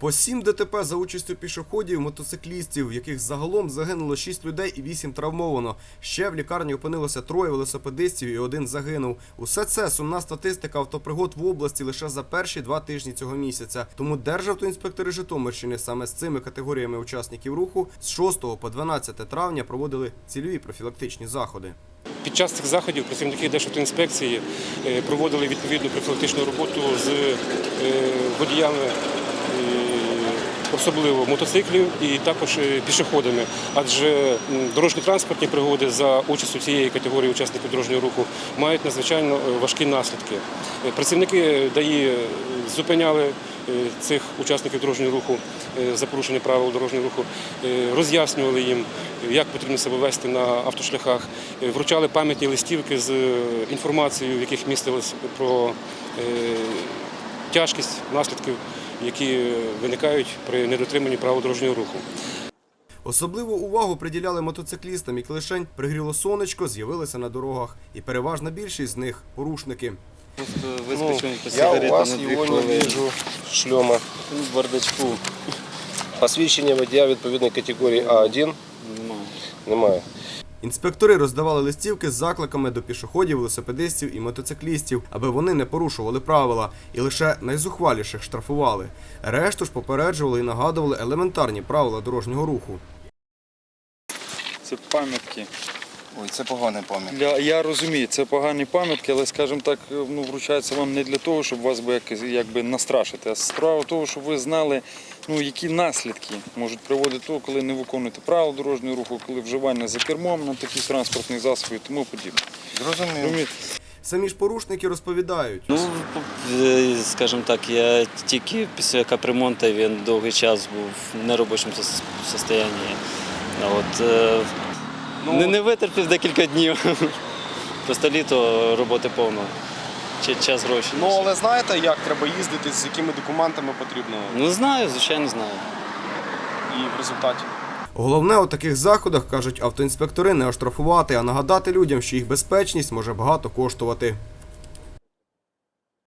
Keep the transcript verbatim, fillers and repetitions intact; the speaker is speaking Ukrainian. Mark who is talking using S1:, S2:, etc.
S1: По сім ДТП за участю пішоходів, мотоциклістів, в яких загалом загинуло шість людей і вісім травмовано. Ще в лікарні опинилося троє велосипедистів і один загинув. Усе це сумна статистика автопригод в області лише за перші два тижні цього місяця. Тому державтоінспектори Житомирщини саме з цими категоріями учасників руху з шостого по дванадцяте травня проводили цільові профілактичні заходи.
S2: Під час цих заходів працівники Державтоінспекції проводили відповідну профілактичну роботу з водіями, особливо мотоциклів і також пішоходами, адже дорожньо-транспортні пригоди за участю цієї категорії учасників дорожнього руху мають надзвичайно важкі наслідки. Працівники ДАІ зупиняли цих учасників дорожнього руху за порушення правил дорожнього руху, роз'яснювали їм, як потрібно себе вести на автошляхах, вручали пам'ятні листівки з інформацією, в яких містилось про тяжкість наслідків, які виникають при недотриманні правил дорожнього руху.
S1: Особливу увагу приділяли мотоциклістам, які лишень пригріло сонечко, з'явилися на дорогах. І переважна більшість з них – порушники.
S3: Ну, я у вас його не бачу, шльома. В бардачку. Посвідчення водія відповідної категорії А один немає.
S1: Інспектори роздавали листівки з закликами до пішоходів, велосипедистів і мотоциклістів, аби вони не порушували правила, і лише найзухваліших штрафували. Решту ж попереджували і нагадували елементарні правила дорожнього руху.
S4: Це пам'ятки.
S5: Ой, це погані пам'ятки.
S4: Для, я розумію, це погані пам'ятки, але, скажімо так, ну, вручаються вам не для того, щоб вас би, як, якби настрашити, а справа в тому, щоб ви знали, ну, які наслідки можуть приводити до того, коли не виконуєте правила дорожнього руху, коли вживання за кермом на таких транспортних засобів і тому подібне.
S5: Зрозуміло.
S1: Самі ж порушники розповідають.
S6: Ну, скажімо так, я тільки після капремонту він довгий час був в неробочому стані. От, ну, не, не витерпів декілька днів. Просто літо, роботи повно. Час гроші.
S5: Ну, але знаєте, як треба їздити, з якими документами потрібно?
S6: Ну, знаю, звичайно, знаю.
S5: І в результаті?
S1: Головне у таких заходах, кажуть автоінспектори, не оштрафувати, а нагадати людям, що їх безпечність може багато коштувати.